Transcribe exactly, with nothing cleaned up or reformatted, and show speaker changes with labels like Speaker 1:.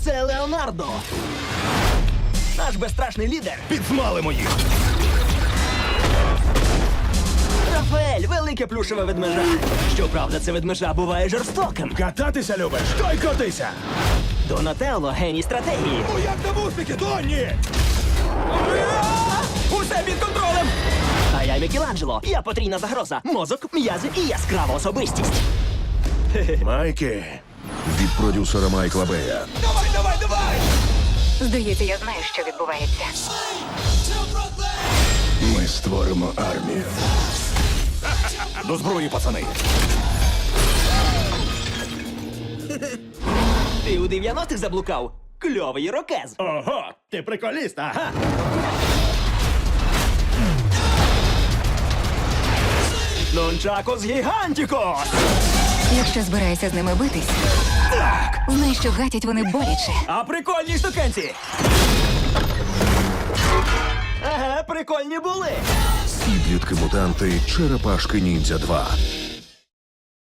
Speaker 1: Це Леонардо. Наш безстрашний лідер.
Speaker 2: Підсмалимо їх!
Speaker 1: Рафаель, велике плюшеве ведмежа. Щоправда, це ведмежа буває жорстоким.
Speaker 2: Кататися любиш? То й котися!
Speaker 1: Донателло – геній стратегії.
Speaker 2: Ну як там успіхи, Донні?
Speaker 1: Усе під контролем! А я Мікеланджело. Я потрійна загроза. Мозок, м'язи і яскрава особистість.
Speaker 2: Майки. Від продюсера Майкла Бея.
Speaker 1: Давай, давай, давай!
Speaker 3: Здається, я знаю, що відбувається.
Speaker 2: Ми створимо армію. До зброї, пацани.
Speaker 1: Ти у дев'яностих заблукав? Кльовий ірокез.
Speaker 2: Ого, ти приколіст, ага.
Speaker 1: Нончакос гігантікос!
Speaker 3: Якщо збираєшся з ними битись, знай, що гатять вони боляче.
Speaker 1: А прикольні штукенці! Ага, прикольні були!
Speaker 2: Підлітки-мутанти Черепашки Ніндзя два.